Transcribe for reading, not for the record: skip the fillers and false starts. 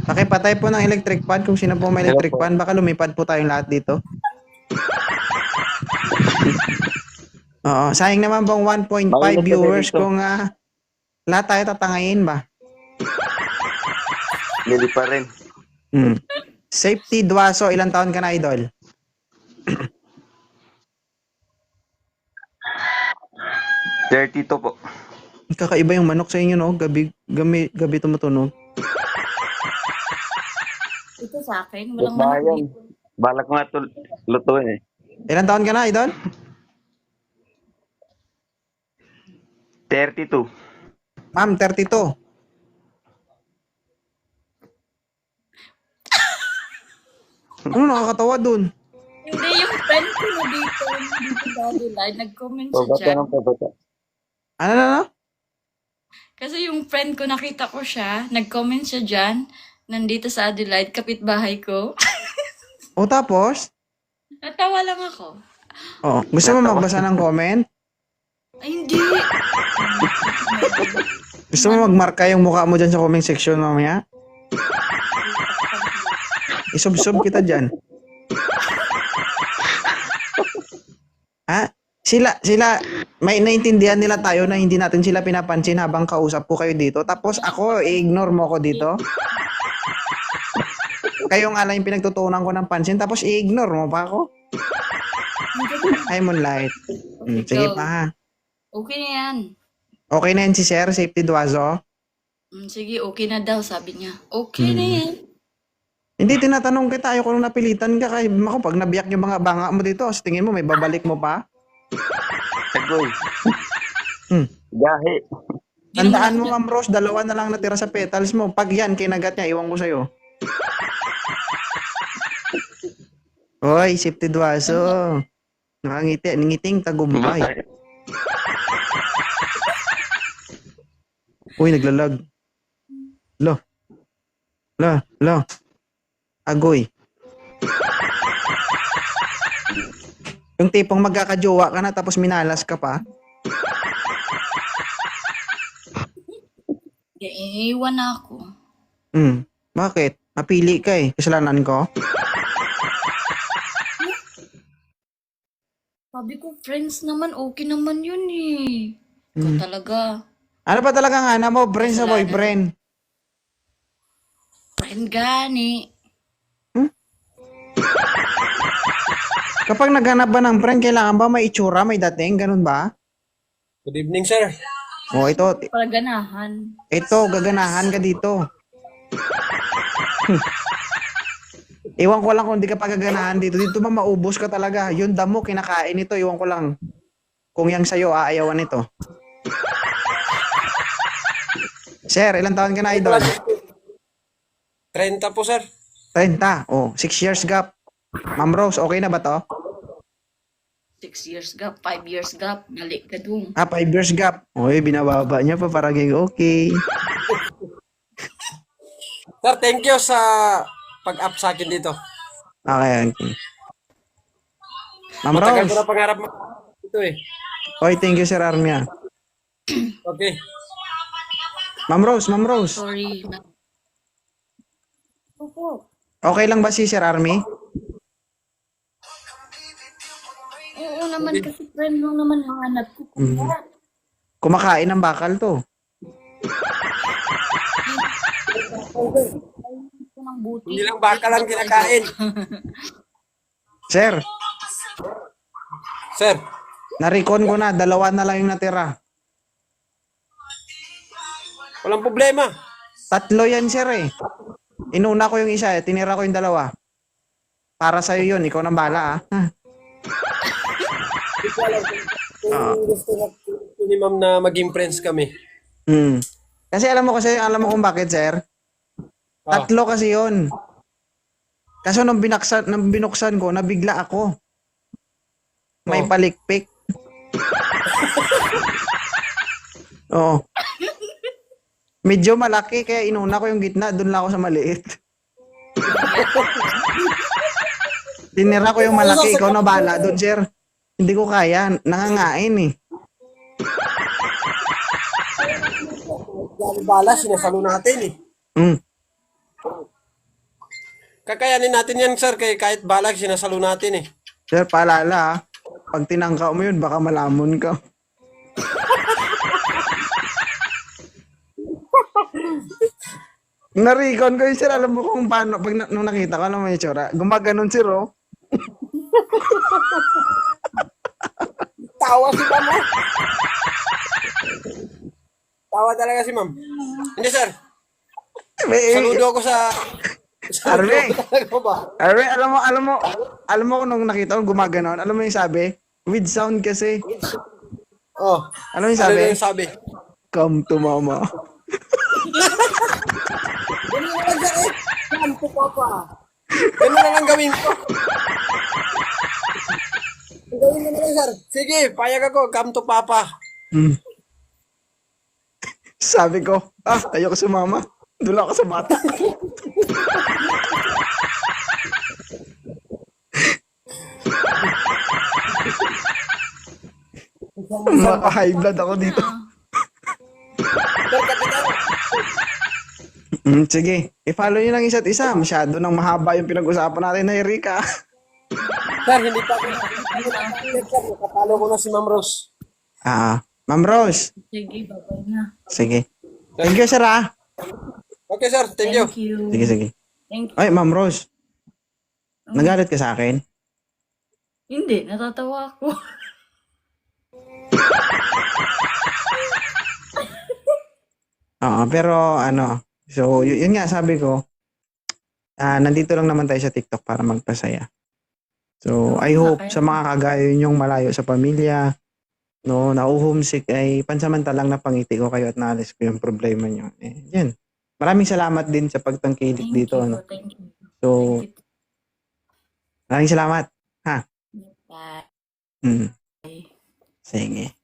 Pakipatay po ng electric fan kung sino po may Hello electric po. fan. Baka lumipad po tayong lahat dito. Oo, sayang naman pong 1.5 Mainit kasi viewers dito. kung lahat tayo tatangayin ba? Hindi pa rin. Hmm. Safety Duaso, ilang taon ka na, idol? $32 po. Kakaiba yung manok sa inyo, no? Gabi tumutunog. Ito sa akin, Yes, walang manok bayan. dito. Balak ko nga lutuin eh. Ilang taon ka na, idol? 32. Ma'am, 32. Ano nakakatawa dun? Hindi, yung friend ko na dito sa Adelaide, nag-comment siya Pabata dyan. ng pabata. Ano? Kasi yung friend ko, nakita ko siya, nag-comment siya dyan, nandito sa Adelaide, kapitbahay ko. O tapos? Natawa lang ako. Oh, gusto mo magbasa ng comment? Ay, hindi. Gusto mo magmarka yung mukha mo dyan sa comment section mamaya? Isub-sub kita dyan. Sila, may naintindihan nila tayo na hindi natin sila pinapansin habang kausap ko kayo dito. Tapos ako, i-ignore mo ko dito. Kayo nga lang yung pinagtutunan ko ng pansin, tapos i-ignore mo pa ako. Ay, Moonlight. Sige Go. pa ha. Okay na yan. Okay na yan si Sir, Safety Duazo. Sige, okay na daw, sabi niya. Okay na yan. Hindi, tinatanong kita, ayoko nung napilitan ka. Kaya ako, pag nabiyak yung mga banga mo dito, sa tingin mo, may babalik mo pa? Tagoy. Hmm. Gahi. Tandaan mo, Ma'am Rose, 2 na lang natira sa petals mo. Pag yan, kinagat niya, iwan ko sa'yo. Hoy, Safety Duazo. Nakangiti, ngiting tagumpay. Uy, naglalag. Lo. Agoy. Yung tipong magkakajowa ka na tapos minalas ka pa. Iiwan na ako. Bakit? Napili ka eh. Kasalanan ko? Sabi ko, friends naman, okay naman yun eh. Ikaw talaga. Ano pa talaga nga na mo? Friend sa Kasalanan. boyfriend. Friend gani. Kapag naghanap ba ng friend, kailangan ba may itsura, may dating? Ganun ba? Good evening, sir. O, ito, Para ganahan. gaganahan ka dito. Iwan ko lang kung di ka pagaganahan dito. Dito ba maubos ka talaga? Yung damo, kinakain ito. Iwan ko lang. Kung yang sa'yo, aayawan ito. Sir, ilang taon ka na, idol? 30 po, sir. 30. Oh, 6 years gap. Ma'am Rose, okay na ba to? 6 years gap, 5 years gap, mali ka dun. 5 years gap. Uy, binababa niya pa parang okay. Sir, thank you sa pag-up sa akin dito. Okay. Ma'am Matagal ko Rose. na pangarap mo ito eh. Oy, thank you, Sir Armia. Okay. Ma'am Rose. Sorry. Opo. Okay lang ba si Sir Army? Oo naman, kasi friend lang naman hanap ko. Kumakain ng bakal to. Ito ng buti. Hindi lang bakal ang kinakain. Sir, Sir, narikon ko na. 2 na lang yung natira. walang problema. 3 yan, Sir eh. Inuna ko yung isa eh. Tinira ko yung 2. Para sa'yo yun. Ikaw nang bala ah. Kung gusto ni ma'am na maging friends kami. Kasi alam mo kung bakit, Sir? 3 kasi yun. Kaso nung binuksan ko, nabigla ako. May palikpik. Oo. Medyo malaki, kaya inuna ko yung gitna. Doon lang ako sa maliit. Tinira ko yung malaki. Ikaw na bahala doon, Sir. Hindi ko kaya. Nangangain eh. Bala, sinasalo natin eh. Kakayanin natin yan, sir. Kahit balag, sinasalo natin eh. Sir, paalala ha. Pag tinangka mo yun, baka malamon ka. Narikon ko yun, sir. Alam mo kung paano, nung nakita ko, alam mo yung tsura. Gumaganon, sir, oh. Tawa si ma'am, ah. Tawa talaga si ma'am. Hindi, sir. Saludo ako sa... Arve. Talaga ba? Arre, alam mo kung nung nakita ko gumaganon, alam mo yung sabi? With sound kasi. Oh. Alam mo yung Ano sabi? na yung sabi? Come to mama. Ganun na lang, sir, eh. Saan po, papa? Ganun na lang gawin ko. Gawin mo na lang, sir. Sige, payag ako. Come to papa. Hmm. Sabi ko, ayoko sumama. Doon ako sa bata. Maka-high blood ako dito. Sir, kapitan. Sige, i-follow nyo lang isa't isa. Masyado nang mahaba yung pinag-usapan natin na Erika. Sir, hindi pa ako. Sir, nakapalo ko na si Ma'am Rose. Ma'am Rose. Sige, babay na. Sige. Thank you, sir, ah. Okay, sir. Thank you. Thank you. Sige, sige. Thank you. Ay, Ma'am Rose. Nagalit ka sa akin? Hindi, natatawa ako. Oo, pero ano, so yun nga sabi ko, nandito lang naman tayo sa TikTok para magpasaya. So, I hope sa mga kagaya yung malayo sa pamilya, no, na-homesick ay pansamantalang napangiti ko kayo at naalis ko yung problema nyo. Yan. Maraming salamat din sa pagtangkilik Thank dito. you. No? Thank you. So, Thank you. maraming salamat. Bye. Mm. Sige.